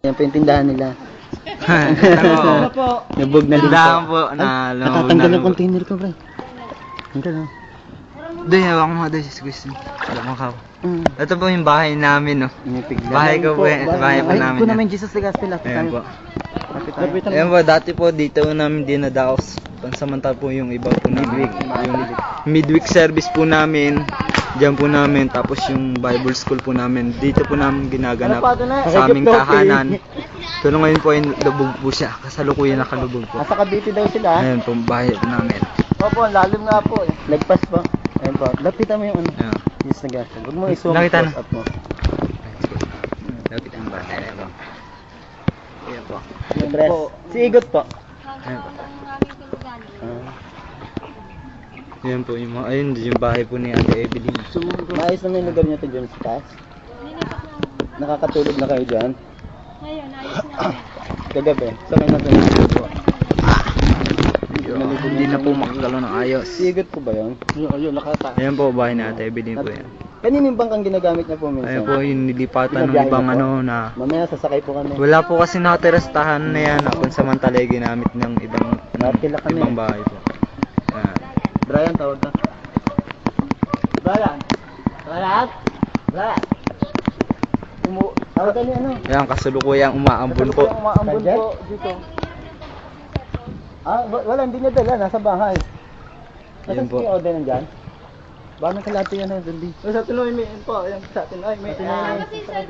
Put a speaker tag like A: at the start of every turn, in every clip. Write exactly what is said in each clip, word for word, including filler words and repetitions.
A: Yan po yung tindahan nila.
B: Ano po?
A: Nabog na din
B: Tindahan
A: po.
B: po na
A: Ay,
B: lumabog
A: natatanggal
B: na
A: yung
B: po.
A: container ko, pre. Ito na.
B: Doon, hawak mo doon si Gusto. Alam mo ka.
A: Mm.
B: Ito po yung bahay namin, no.
A: Inipigla.
B: Bahay ko po, yan. Bahay po
A: Ay,
B: namin
A: po
B: yan.
A: namin Jesus de Gospel. Lapit
B: Ayan po.
A: tayo. Lapit tayo. Lapit tayo.
B: Ayan po, dati po dito namin dinadaos. Pansamantala po yung iba po namin. Yung midweek service po namin. Diyan po namin. Tapos yung Bible school po namin. Dito po namin ginaganap sa aming tahanan. Pero ngayon po ay lubog po siya. Kasalukuyan nakalubog po.
A: Nasa Cavite daw sila.
B: Ayan po, bahay po namin.
A: Opo, lalim nga po. eh. Lagpas po. Ayan po. Lapitan mo yung ano.
B: Ayan.
A: Jesus de Gospel. Huwag mo i-zoom.
B: Nakita na.
A: close up mo.
B: Lapit ang bahay na po. Ayan po.
A: Yung dress. Si Igot po.
B: Ayan po.
A: Ah.
B: Ayan po yung mga, ayun yung bahay po ni Ate Evelyn.
A: Maayos naman yung lugar niyo to dyan sa taas. Nakakatulog na kayo dyan.
C: Ngayon, ayos na.
A: Kagabi. Sa may natulog po.
B: Hindi na po makagalaw ng ayos.
A: Si Igot po ba yun? Ayun, ayun, nakata.
B: Ayan po, bahay ni Ate Evelyn po yan.
A: Kanino yung bangkang ginagamit niya po minsan?
B: Ayan po yung nilipatan ng
A: Binabiyahe
B: ibang
A: na po?
B: ano na.
A: Mamaya sasakay po kami.
B: Wala po kasi nakatirastahan na yan. Kung samantala ay ginamit ng ibang
A: Nakatila kami.
B: ibang bahay po. Ayan.
A: Brian, tawag ka. Brian! Brian! Brian! Umu... Tawag ka ni ano?
B: Ayan, kasalukuyang umaambon po.
A: Yung umaambon po dito. Ah, wa- wala, hindi niya dala. Nasa bahay.
B: Yan
A: Nasaan
B: po.
A: si Oden nandyan? Baka may kalati yan na, Dundi. O sa Tinoy, may po. Ayan sa atin. Ay, may... Ah,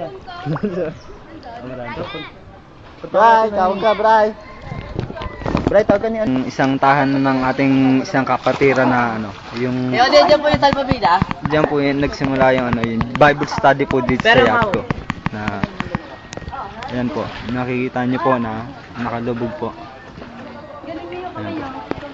A: Bray, tawag ka, Bray. Bray, tawag ka ni ano?
B: Yung isang tahanan ng ating isang kapatira na ano, yung
C: Eh, Ode, dyan po yung salpabida.
B: diyan po yung nagsimula yung ano, yung Bible study po dito sa yacht ko. Na ayan po, nakikita niyo po na nakalubog po. Ayan po.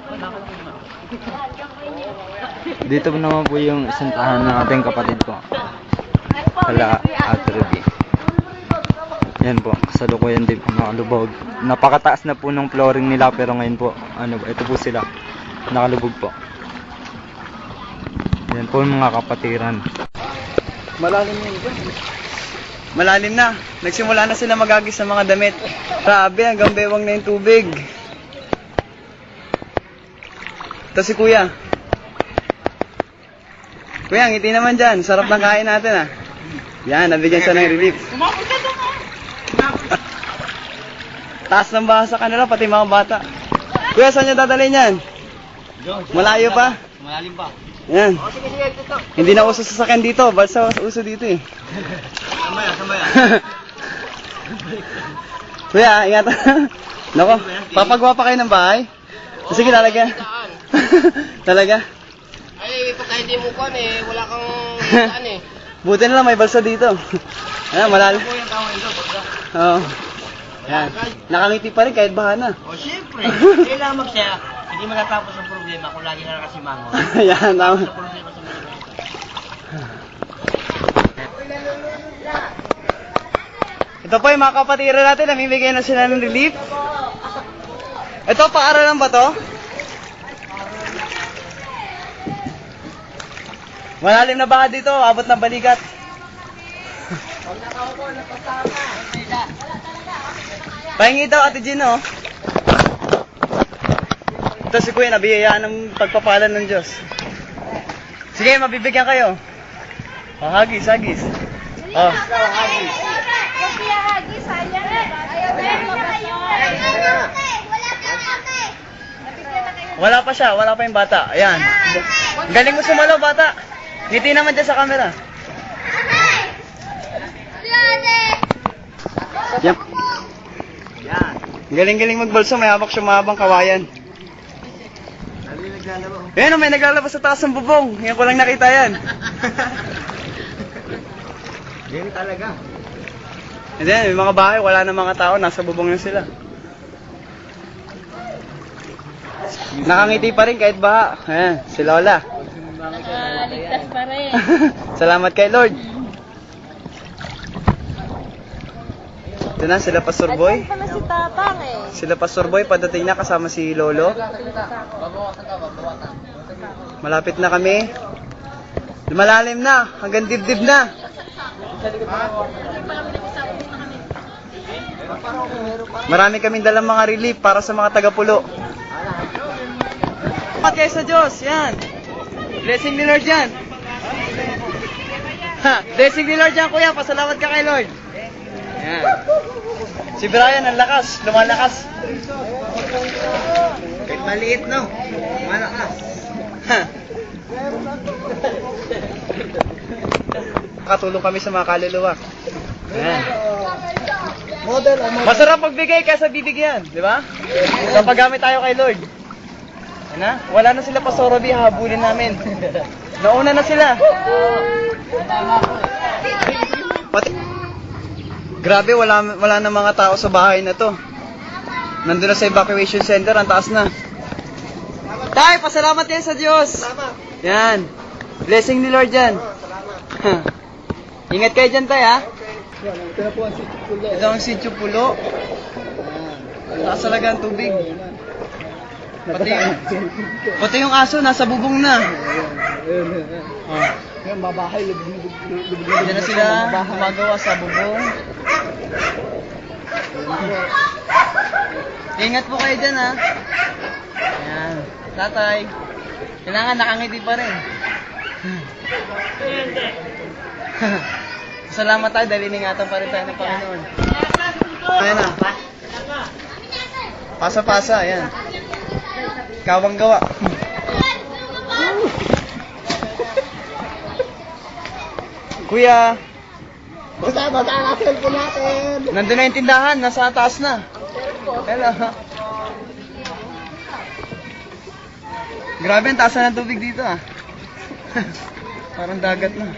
B: Dito po naman po yung isang tahanan ng ating kapatid po. Hala at Ruby. Yan po, kasalukuyan din po nakalubog. Napakataas na po ng flooring nila pero ngayon po, ano ba, ito po sila, nakalubog po. Yan po yung mga kapatiran.
A: Malalim yun dyan. Malalim na. Nagsimula na sila magagis sa mga damit. Grabe, hanggang bewang na yung tubig. Ito si Kuya. Kuya, ngiti naman dyan. Sarap ng kain natin ah. Yan, nabigyan siya ng relief. Taas ng baha sa kanila, pati mga bata. Kuya, saan niyo dadalhin yan? Malayo pa?
B: Malalim pa.
A: Yan. Hindi na uso sasakyan dito, balsa uso dito eh.
B: Samaya, samaya.
A: Kuya, ingat. Nako, papagawa pa kayo ng bahay? Sige, talaga. Talaga?
C: Ay, pagka hindi mo kon eh, wala kang saan eh.
A: Buti na lang may balsa dito. Ayan, malalim. Oo. Ayan. Nakangiti pa rin kahit baha na.
C: O, siyempre. Kailangan magsaya. Hindi matatapos ang problema kung lagi na nakasimango.
A: Ayan, tama.
C: Problema sa mga.
A: Ito po yung mga kapatira natin, namimigay na sila ng relief. Ito, paaralan ba to? Malalim na baha dito, abot na balikat. Pahingi daw, Ate Gino. Ito si Kuya, nabiyayaan ng pagpapala ng Diyos. Sige, mabibigyan kayo. Oh, hagis, hagis. Oh. Wala pa siya, wala pa yung bata. Ayan. Galing mo sumalaw, bata. Ngiti naman dyan sa camera. Yan. Yan. Galing-galing magbalso, may hawak siya mahabang kawayan. Ayan, may naglalabas sa taas ng bubong. Yan ko lang nakita yan.
B: Yan talaga.
A: And then, may mga bahay, wala na mga tao, nasa bubong na sila. Nakangiti pa rin kahit baha. Ayan, si Lola.
C: Ah, ligtas pa rin.
A: Salamat kay Lord. Ito na, sila Pastor Boy.
C: Pala si Tatang eh.
A: Sila Pastor Boy, padating na kasama si Lolo. Malapit na kami. Malalim na, hanggang dibdib na. Marami kaming dalang mga relief para sa mga taga-pulo. Salamat kayo sa Diyos, yan. Blessing ni Lord yan. Ha, blessing ni Lord yan, kuya. Pasalamat ka kay Lord. Yan. Si Brian, ang lakas. Lumalakas. Kahit maliit, no? Lumalakas. Ha. Katulong kami sa mga kaluluwa. Yan. Masarap magbigay kaysa bibigyan, di ba? Kapag gamit tayo kay Lord. Ano? Wala na sila pa Sorobi, habulin namin. Nauna na sila. Pati, grabe, wala, wala na mga tao sa bahay na to. Nandun na sa evacuation center, ang taas na. Tay, pasalamat yan sa Diyos. Yan. Blessing ni Lord yan. Ingat kayo dyan, tay, ha? Ito ang sitio pulo. Taas talaga ang tubig. Pati, pati yung aso, nasa bubong na. Oh.
B: Yung mabahay, lubog-lubog.
A: Diyan na sila gumagawa sa bubong. Ingat po kayo dyan, ha? Ayan. Tatay. Kailangan nakangiti pa rin. Salamat tayo dahil iningatan pa rin tayo ng Panginoon. Ayan na. Pasa-pasa, ayan. Kawang gawa. Kuya.
B: Basta, basta ang cellphone natin.
A: Nandun na yung tindahan, nasa taas na. Hello. Grabe, ang taas na ng tubig dito ah. Parang dagat na.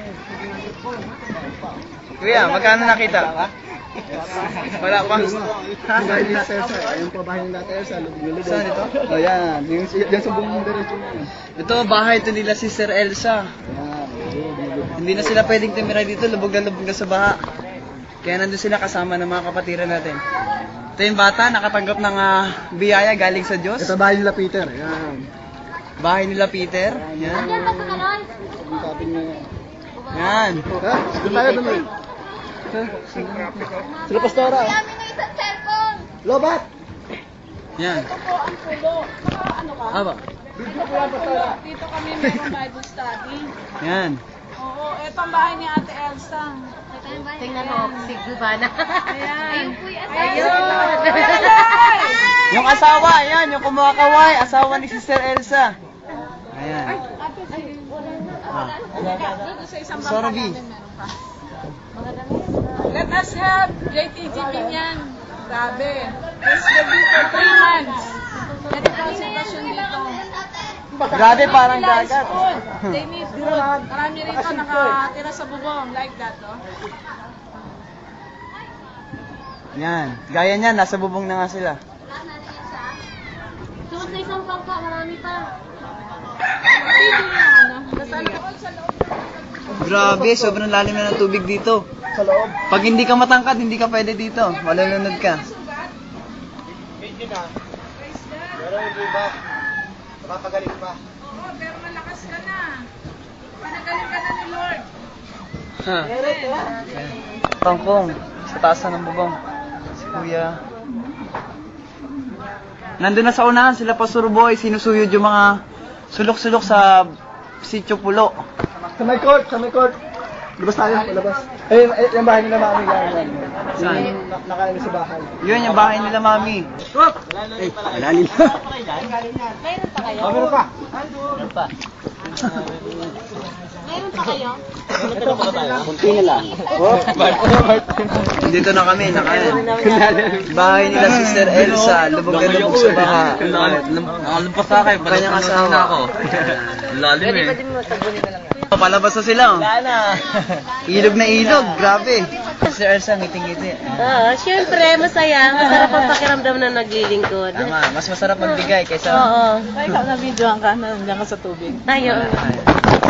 A: Kuya, magkano nakita? Wala pa.
B: Bahay nila Elsa. Ayun po bahay nila Elsa. Lubog-lubog.
A: Saan ito?
B: Oh, yan. Yung, yan sa buong diretso mo.
A: Ito, bahay ito nila si Sir Elsa.
B: Yan. lubog-lubog.
A: Hindi na sila pwedeng tumira dito, lubog na lubog na sa baha. Kaya nandun sila kasama ng mga kapatiran natin. Ito yung bata, nakatanggap ng uh, biyaya galing sa Diyos.
B: Ito bahay nila Peter. Yan.
A: Bahay nila Peter. Yan.
B: Ang sabi niya yan.
A: Yan.
B: Ha? Doon tayo, doon. Sila Pastora.
D: Kami ng isang cellphone.
B: Lobat!
A: Yan.
D: Ano ka?
A: Aba.
D: Dito kami mayroong Bible study.
A: Yan.
D: Oo, eto ang bahay ni Ate Elsa.
E: Tingnan mo, si Gubana.
D: Ayan.
E: Ayun po yung
D: Ayun.
A: Yung asawa, yan, yung kumakaway, asawa ni Sister Elsa. Ayan.
D: Ate, si...
A: Ah.
D: Doon sa isang bahay
A: Sorobi.
D: namin meron pa. Let us help J T G Pinyan. Grabe. Let's give you for three months. Ganito ang sitwasyon dito.
A: Grabe, parang dagat.
D: Food. They need food. Marami rito nakatira sa bubong. Like that, oh.
A: Yan. Gaya niyan, nasa bubong na nga sila.
E: Suot na isang bangka, marami pa.
D: Pili na ano. Nasa loob sa loob.
A: Grabe, sobrang lalim na ng tubig dito.
B: Sa loob.
A: Pag hindi ka matangkad, hindi ka pwede dito. Malulunod ka.
B: Pwede na. Pero hindi ba? Napapagaling pa.
D: Oo, pero malakas ka na. Pinagaling ka na ni Lord.
A: Ha. Tangkong, sa taas na ng bubong. Si Kuya. Nandun na sa unahan sila Pastor Boy, sinusuyod yung mga sulok-sulok sa Sitio Pulo.
B: Sa may court, sa may court. Labas tayo, labas. Eh, eh, yung bahay nila mami lang. yan.
A: Saan?
B: Yung na- nakaano sa bahay.
A: Yun yung bahay nila, Mami.
B: Eh, wala nila.
E: Mayroon pa kayo?
B: Oh, meron pa.
E: Mayroon pa kayo?
B: Kunti na lang. Oh,
A: Dito na kami, nakain. Bahay nila Sister Elsa, lubog na lubog sa baha.
C: Nakalampas sa akin,
A: Kanyang asawa.
C: ako. Lalim eh.
A: Palabas na sila. Oh. Ilog na ilog, grabe. Sister Elsa, ngiting-ngiti.
E: Oo, syempre, masaya. Masarap ang pakiramdam na naglilingkod.
A: Tama, mas masarap magbigay kaysa...
E: Oo.
D: Ay, ikaw na videoan ka, nandiyan ka sa tubig.
E: Ayun.